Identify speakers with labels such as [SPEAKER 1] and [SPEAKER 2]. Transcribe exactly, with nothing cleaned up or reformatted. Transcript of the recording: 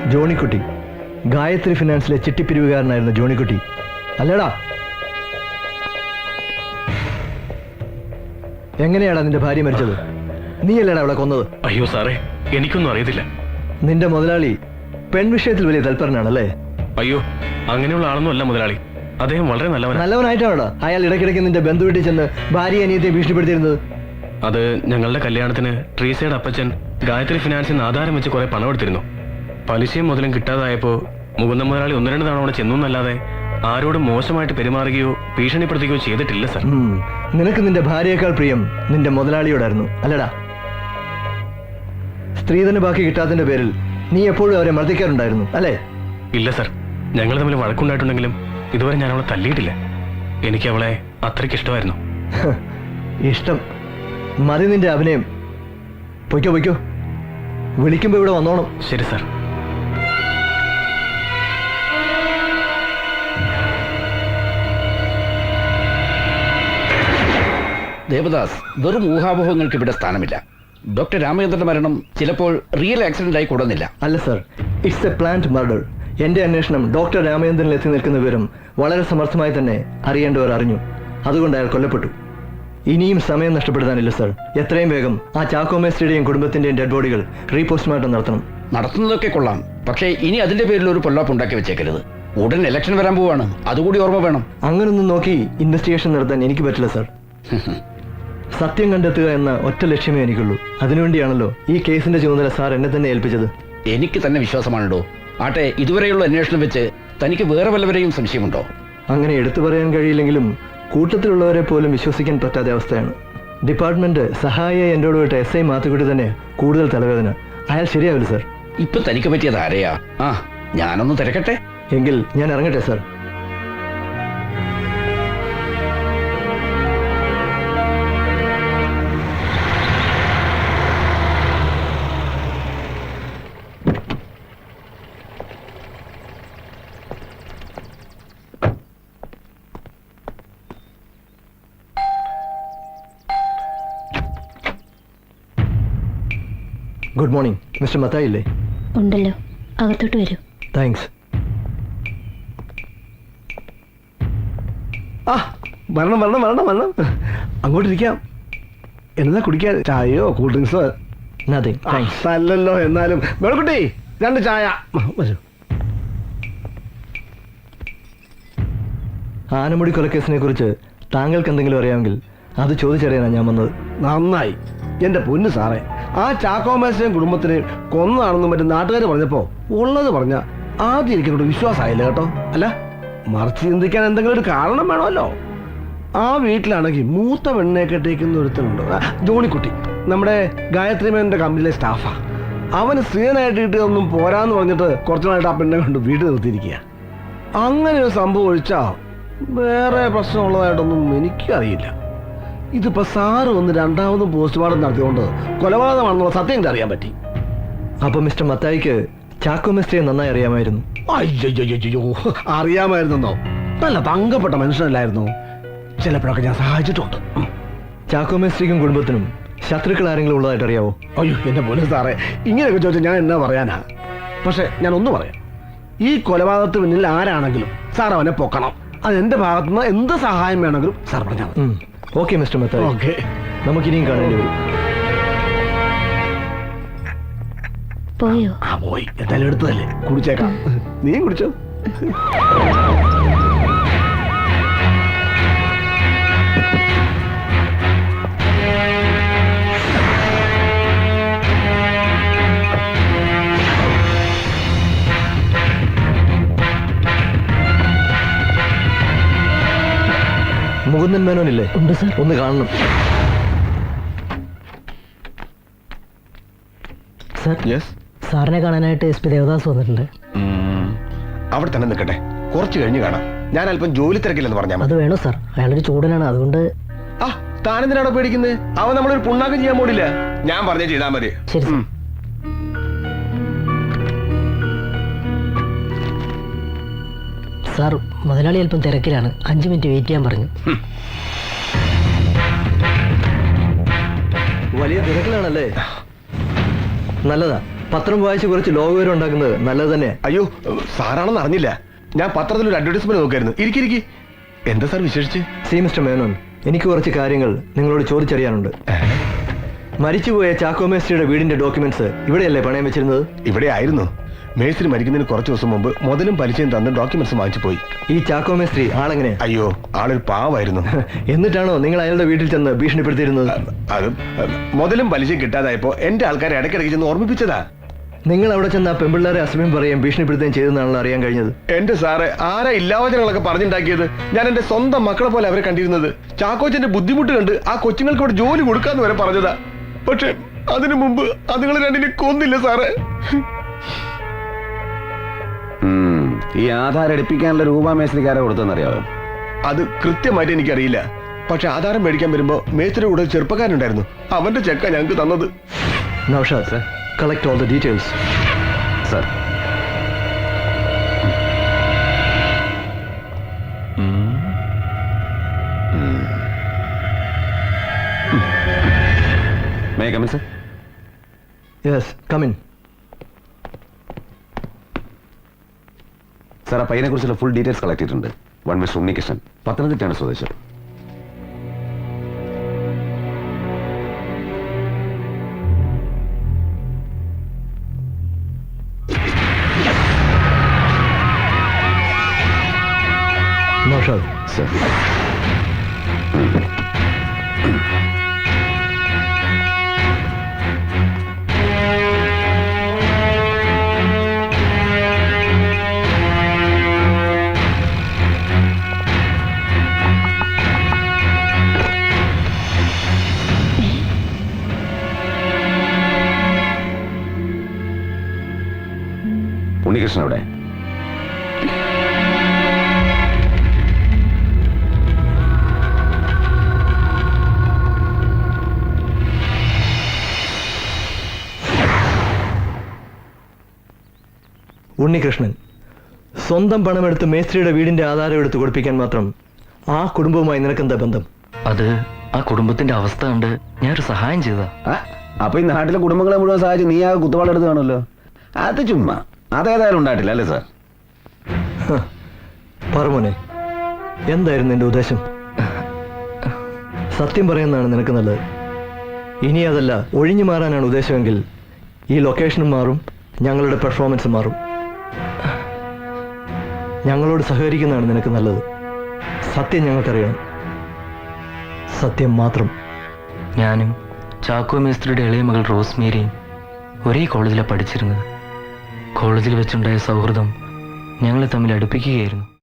[SPEAKER 1] ജോണിക്കുട്ടി, ഗായത്രി ഫിനാൻസിലെ ചിട്ടിപ്പിരിവുകാരനായിരുന്ന ജോണിക്കുട്ടി അല്ലേടാ? എങ്ങനെയാടാ നിന്റെ ഭാര്യ മരിച്ചത്? നീ അല്ലേടാ അവളെ കൊന്നത്?
[SPEAKER 2] അയ്യോ സാറേ, എനിക്കൊന്നും അറിയത്തില്ല.
[SPEAKER 1] നിന്റെ മുതലാളി പെൺവിഷയത്തിൽ വലിയ തൽപരനാണല്ലേ?
[SPEAKER 2] അയ്യോ, അങ്ങനെയുള്ള ആളൊന്നും അല്ല മുതലാളി. അദ്ദേഹം വളരെ നല്ലവനാണ്.
[SPEAKER 1] നല്ലവനായിട്ടാണോടാ അയാൾ ഇടയ്ക്കിടയ്ക്ക് നിന്റെ ബന്ധു വീട്ടിൽ ചെന്ന് ഭാര്യ അനിയത്തെ ഭീഷണിപ്പെടുത്തിയിരുന്നത്?
[SPEAKER 2] അത് ഞങ്ങളുടെ കല്യാണത്തിന് ട്രീസയുടെ അപ്പച്ചൻ ഗായത്രി ഫിനാൻസിൽ നിന്ന് ആധാരം വെച്ച് കുറെ പണം എടുത്തിരുന്നു. പലിശയും മുതലും കിട്ടാതായപ്പോ മുകുന്ദ മുതലാളി ഒന്ന് രണ്ട് തവണ അവിടെ ചെന്നല്ലാതെ ആരോടും മോശമായിട്ട് പെരുമാറുകയോ ഭീഷണിപ്പെടുത്തുകയോ ചെയ്തിട്ടില്ല സർ.
[SPEAKER 1] നിനക്ക് നിന്റെ ഭാര്യയേക്കാൾ പ്രിയം നിന്റെ മുതലാളിയോടായിരുന്നു അല്ലടാ? സ്ത്രീധന ബാക്കി കിട്ടാത്തതിന്റെ പേരിൽ നീ എപ്പോഴും അവരെ മർദ്ദിക്കാറുണ്ടായിരുന്നു അല്ലേ?
[SPEAKER 2] ഇല്ല സർ, ഞങ്ങൾ തമ്മിൽ വഴക്കുണ്ടായിട്ടുണ്ടെങ്കിലും ഇതുവരെ ഞാൻ അവളെ തല്ലിയിട്ടില്ല. എനിക്ക് അവളെ അത്രയ്ക്ക് ഇഷ്ടമായിരുന്നു.
[SPEAKER 1] ഇഷ്ടം മതി നിന്റെ അഭിനയം. പൊയ്ക്കോ പൊയ്ക്കോ, വിളിക്കുമ്പോ ഇവിടെ വന്നോണം.
[SPEAKER 2] ശരി സർ.
[SPEAKER 3] ദേവദാസ്, വെറും ഊഹാപോഹങ്ങൾക്ക് ഇവിടെ സ്ഥാനമില്ല. ഡോക്ടർ രാമചന്ദ്രന്റെ മരണം ചിലപ്പോൾ റിയൽ ആക്സിഡന്റ് ആയി കൂടുന്നില്ല.
[SPEAKER 1] അല്ല sir, it's a planned murder. എന്റെ അന്വേഷണം ഡോക്ടർ രാമചന്ദ്രനിൽ എത്തി നിൽക്കുന്ന വിവരം വളരെ സമർത്ഥമായി തന്നെ അറിയേണ്ടവർ അറിഞ്ഞു. അതുകൊണ്ട് അയാൾ കൊല്ലപ്പെട്ടു. ഇനിയും സമയം നഷ്ടപ്പെടുത്താനില്ല സർ. എത്രയും വേഗം ആ ചാക്കോ മേസ്ത്രിയുടെയും കുടുംബത്തിന്റെയും ഡെഡ് ബോഡികൾ റീപോസ്റ്റ്മോർട്ടം നടത്തണം.
[SPEAKER 3] നടത്തുന്നതൊക്കെ കൊള്ളാം, പക്ഷേ ഇനി അതിന്റെ പേരിൽ ഒരു പൊല്ലാപ്പ് ഉണ്ടാക്കി വെച്ചേക്കരുത്. ഉടൻ ഇലക്ഷൻ വരാൻ പോവാണ്, അതുകൂടി ഓർമ്മ വേണം.
[SPEAKER 1] അങ്ങനൊന്നും നോക്കി ഇൻവെസ്റ്റിഗേഷൻ നടത്താൻ എനിക്ക് പറ്റില്ല സർ. സത്യം കണ്ടെത്തുക എന്ന ഒറ്റ ലക്ഷ്യമേ എനിക്കുള്ളൂ. അതിനുവേണ്ടിയാണല്ലോ ഈ കേസിന്റെ ചുമതല സാർ എന്നെ തന്നെ ഏൽപ്പിച്ചത്.
[SPEAKER 3] എനിക്ക് തന്നെ വിശ്വാസമാണല്ലോ. ആട്ടെ, ഇതുവരെയുള്ള അന്വേഷണം വെച്ച് തനിക്ക് വേറെ വല്ലവരെയും സംശയമുണ്ടോ?
[SPEAKER 1] അങ്ങനെ എടുത്തു പറയാൻ കഴിയില്ലെങ്കിലും കൂട്ടത്തിലുള്ളവരെ പോലും വിശ്വസിക്കാൻ പറ്റാത്ത അവസ്ഥയാണ്. ഡിപ്പാർട്ട്മെന്റ് സഹായിയായി എന്നോട് വിട്ട എസ് ഐ മാത്തുക്കുട്ടി തന്നെ കൂടുതൽ തലവേദന. അയാൾ ശരിയാവില്ല സർ.
[SPEAKER 3] ഇപ്പൊ തനിക്ക് പറ്റിയത് ആരെയാ? ആ, ഞാനൊന്ന് തിരക്കട്ടെ.
[SPEAKER 1] എങ്കിൽ ഞാൻ ഇറങ്ങട്ടെ sir. Good morning. Mister Mathai ഇല്ലേ?
[SPEAKER 4] ഉണ്ടല്ലോ, അകത്തോട്ട് വരൂ.
[SPEAKER 1] താങ്ക്സ്.
[SPEAKER 5] ആ, വരണം വരണം വരണം വരണം അങ്ങോട്ടിരിക്കാം. എന്നാ കുടിക്കാൻ? ചായയോ കൂൾ ഡ്രിങ്ക്സോ?
[SPEAKER 1] Nothing thanks.
[SPEAKER 5] അല്ലല്ലോ, എന്നാലും വേണക്കുട്ടി രണ്ട് ചായ. വരൂ.
[SPEAKER 1] ആനമുടി കൊലക്കേസിനെ കുറിച്ച് താങ്കൾക്ക് എന്തെങ്കിലും അറിയാമെങ്കിൽ അത് ചോദിച്ചറിയാനാണ് ഞാൻ വന്നത്.
[SPEAKER 5] നന്നായി എന്റെ പൊന്നു സാറേ. ആ ചാക്കോ മേസ്ത്രിയും കുടുംബത്തിനെയും കൊന്നതാണെന്നും മറ്റും നാട്ടുകാർ പറഞ്ഞപ്പോ ഉള്ളത് പറഞ്ഞ ആദ്യം എനിക്കോട് വിശ്വാസമായില്ല കേട്ടോ. അല്ല, മറിച്ച് ചിന്തിക്കാൻ എന്തെങ്കിലും ഒരു കാരണം വേണമല്ലോ. ആ വീട്ടിലാണെങ്കിൽ മൂത്ത പെണ്ണെ കെട്ടിക്കുന്ന ഒരുത്തനുണ്ട്, ജോണിക്കുട്ടി. നമ്മുടെ ഗായത്രി മേനന്റെ കമ്പനിയിലെ സ്റ്റാഫാ. അവന് സ്ത്രീനായിട്ട് കിട്ടിയതൊന്നും പോരാന്ന് പറഞ്ഞിട്ട് കുറച്ചുനായിട്ട് ആ പെണ്ണെ കൊണ്ട് വീട്ടിൽ നിർത്തിയിരിക്കുക. അങ്ങനെ ഒരു സംഭവം ഒഴിച്ചാ വേറെ പ്രശ്നമുള്ളതായിട്ടൊന്നും എനിക്കറിയില്ല. ഇതിപ്പോ സാറ് വന്ന് രണ്ടാമതും പോസ്റ്റ്മോർട്ടം നടത്തിയോണ്ട് കൊലപാതകമാണെന്നുള്ള സത്യം എനിക്ക് അറിയാൻ പറ്റി.
[SPEAKER 1] അപ്പൊ മിസ്റ്റർ മത്തായിക്ക് ചാക്കോ മേസ്ത്രിയെ നന്നായി അറിയാമായിരുന്നു?
[SPEAKER 5] അയ്യോ, അറിയാമായിരുന്നോ? നല്ല തങ്കപ്പെട്ട മനുഷ്യനല്ലായിരുന്നു. ചിലപ്പോഴൊക്കെ ഞാൻ സഹായിച്ചിട്ടുണ്ട്.
[SPEAKER 1] ചാക്കോ മേസ്ത്രിക്കും കുടുംബത്തിനും ശത്രുക്കൾ ആരെങ്കിലും ഉള്ളതായിട്ട് അറിയാവോ?
[SPEAKER 5] അയ്യോ എന്റെ പൊന്നു സാറേ, ഇങ്ങനെയൊക്കെ ചോദിച്ചാൽ ഞാൻ എന്നാ പറയാനാ? പക്ഷെ ഞാൻ ഒന്ന് പറയാം. ഈ കൊലപാതകത്തിന് പിന്നിൽ ആരാണെങ്കിലും സാർ അവനെ പൊക്കണം. അത് എന്റെ ഭാഗത്തുനിന്ന് എന്ത് സഹായം വേണമെങ്കിലും സാർ പറഞ്ഞാൽ മതി.
[SPEAKER 1] Okay mister Mathai,
[SPEAKER 5] okay.
[SPEAKER 1] നമുക്കിനിയും കാണേണ്ടി വരും.
[SPEAKER 4] പോയോ?
[SPEAKER 5] ആ പോയി. എന്തായാലും എടുത്തതല്ലേ, കുടിച്ചേക്കാം. നീ കുടിച്ചോ.
[SPEAKER 1] മുകുന്ദൻ മേനോനില്ലേ?
[SPEAKER 4] ഉണ്ട് സർ.
[SPEAKER 1] ഒന്ന് കാണണം
[SPEAKER 4] സർ. സാറിനെ കാണാനായിട്ട് എസ് പി ദേവദാസ് വന്നിട്ടുണ്ട്.
[SPEAKER 6] അവിടെ തന്നെ നിൽക്കട്ടെ, കുറച്ച് കഴിഞ്ഞ് കാണാം. ഞാൻ അല്പം ജോലി തിരക്കില്ലെന്ന് പറഞ്ഞാൽ
[SPEAKER 4] അത് വേണോ സാർ? അയാളൊരു ചൂടനാണ്, അതുകൊണ്ട്.
[SPEAKER 6] ആ, താനെന്തിനാണോ പേടിക്കുന്നത്? അവൻ നമ്മളൊരു പുണ്ണാക്കം ചെയ്യാൻ പോടില്ല. ഞാൻ പറഞ്ഞേ ചെയ്താൽ മതി.
[SPEAKER 4] ശരി സാർ. സാർ, മുതലാളി അല്പം തിരക്കിലാണ്, അഞ്ചു മിനിറ്റ് വെയിറ്റ് ചെയ്യാൻ പറഞ്ഞു.
[SPEAKER 1] വലിയ തിരക്കിലാണല്ലേ? നല്ലതാ. പത്രം വായിച്ച് കുറച്ച് ലോകവിവരം ഉണ്ടാക്കുന്നത് നല്ലത് തന്നെ.
[SPEAKER 6] അയ്യോ സാറാണെന്ന് അറിഞ്ഞില്ല. ഞാൻ പത്രത്തിൽ ഒരു അഡ്വർടൈസ്മെന്റ് നോക്കായിരുന്നു. ഇരിക്കിരിക്കി. എന്താ സാർ വിശേഷിച്ച്?
[SPEAKER 1] സി മിസ്റ്റർ മേനോൻ, എനിക്ക് കുറച്ച് കാര്യങ്ങൾ നിങ്ങളോട് ചോദിച്ചറിയാനുണ്ട്. മരിച്ചുപോയ ചാക്കോ മേസ്ത്രിയുടെ വീടിന്റെ ഡോക്യുമെന്റ്സ് ഇവിടെയല്ലേ പണയം വെച്ചിരുന്നത്?
[SPEAKER 6] ഇവിടെ ആയിരുന്നു. മേസ്ത്രി മരിക്കുന്നതിന് കുറച്ച് ദിവസം മുമ്പ് മുതലും പലിശയും തന്ന് ഡോക്യുമെന്റ്സ് വാങ്ങിച്ചു പോയി.
[SPEAKER 1] ഈ ചാക്കോ മേസ്ത്രി ആളെങ്ങനെ?
[SPEAKER 6] അയ്യോ ആളൊരു പാവായിരുന്നു.
[SPEAKER 1] എന്നിട്ടാണോ നിങ്ങൾ അയാളുടെ വീട്ടിൽ ചെന്ന് ഭീഷണിപ്പെടുത്തിയിരുന്നത്?
[SPEAKER 6] അത് മുതലും പലിശയും കിട്ടാതായപ്പോ എന്റെ ആൾക്കാരെ ഇടയ്ക്കിടയ്ക്ക് ചെന്ന് ഓർമ്മിപ്പിച്ചതാ.
[SPEAKER 1] നിങ്ങൾ അവിടെ ചെന്ന് ആ പെമ്പിള്ളേരെ അസമയം പറയുകയും ഭീഷണിപ്പെടുത്തുകയും ചെയ്തെന്നാണല്ലോ അറിയാൻ കഴിഞ്ഞത്.
[SPEAKER 6] എന്റെ സാറ് ആരാ ഇല്ലാവചനങ്ങളൊക്കെ പറഞ്ഞുണ്ടാക്കിയത്? ഞാൻ എന്റെ സ്വന്തം മക്കളെ പോലെ അവരെ കണ്ടിരുന്നത്. ചാക്കോച്ചന്റെ ബുദ്ധിമുട്ട് കണ്ട് ആ കൊച്ചുങ്ങൾക്ക് ഇവിടെ ജോലി കൊടുക്കാന്ന് വരെ പറഞ്ഞതാ. പക്ഷെ അതിനു മുമ്പ് അതുങ്ങൾ രണ്ടിനെ കൊന്നില്ല സാറേ.
[SPEAKER 7] ഈ ആധാരം എടുപ്പിക്കാനുള്ള രൂപ മേസ്ത്രിക്കാരെ കൊടുത്തെന്നറിയാവോ?
[SPEAKER 6] അത് കൃത്യമായിട്ട് എനിക്കറിയില്ല. പക്ഷെ ആധാരം മേടിക്കാൻ വരുമ്പോ മേസ്ത്രിയുടെ കൂടെ ചെറുപ്പക്കാരുണ്ടായിരുന്നു. അവന്റെ ചെക്ക ഞങ്ങൾക്ക് തന്നത്.
[SPEAKER 1] Naushad, collect all the details.
[SPEAKER 7] Sir. May I come in, sir?
[SPEAKER 1] Yes, come in.
[SPEAKER 7] Sir, ആ പയ്യനെ കുറിച്ചുള്ള ഫുൾ ഡീറ്റെയിൽസ് കളക്ട് ചെയ്തിട്ടുണ്ട്. വൺ മിസ്റ്റർ ഉണ്ണികൃഷ്ണൻ, പത്തനംതിട്ടയാണ് സ്വദേശം.
[SPEAKER 1] നൗഷാദ്,
[SPEAKER 7] സർ. ഉണ്ണികൃഷ്ണൻ അവിടെ?
[SPEAKER 1] ഉണ്ണികൃഷ്ണൻ സ്വന്തം പണമെടുത്ത് മേസ്ത്രിയുടെ വീടിന്റെ ആധാരം എടുത്ത് കൊടുപ്പിക്കാൻ മാത്രം ആ കുടുംബവുമായി നിനക്കെന്താ ബന്ധം?
[SPEAKER 8] അത് ആ കുടുംബത്തിന്റെ അവസ്ഥ കണ്ട് ഞാനൊരു സഹായം ചെയ്താ.
[SPEAKER 7] അപ്പൊ ഈ നാട്ടിലെ കുടുംബങ്ങളെ മുഴുവൻ സഹായിച്ച് നീ ആ കുത്തുവാളെടുത്ത് കാണുമല്ലോ. അത് ചുമ്മാ, അതേതായാലും ഉണ്ടായിട്ടില്ല അല്ലേ സാർ?
[SPEAKER 1] പറമോനെ, എന്തായിരുന്നു നിന്റെ ഉദ്ദേശം? സത്യം പറയുന്നതാണ് നിനക്ക് നല്ലത്. ഇനി അതല്ല ഒഴിഞ്ഞു മാറാനാണ് ഉദ്ദേശമെങ്കിൽ ഈ ലൊക്കേഷനും മാറും, ഞങ്ങളുടെ പെർഫോമൻസ് മാറും. ഞങ്ങളോട് സഹകരിക്കുന്നതാണ് നിനക്ക് നല്ലത്. സത്യം ഞങ്ങൾക്കറിയണം, സത്യം മാത്രം.
[SPEAKER 8] ഞാനും ചാക്കോ മേസ്ത്രിയുടെ ഇളയ മകൾ റോസ്മേരിയും ഒരേ കോളേജിലാണ് പഠിച്ചിരുന്നത്. കോളേജിൽ വെച്ചുണ്ടായ സൗഹൃദം ഞങ്ങളെ തമ്മിൽ അടുപ്പിക്കുകയായിരുന്നു.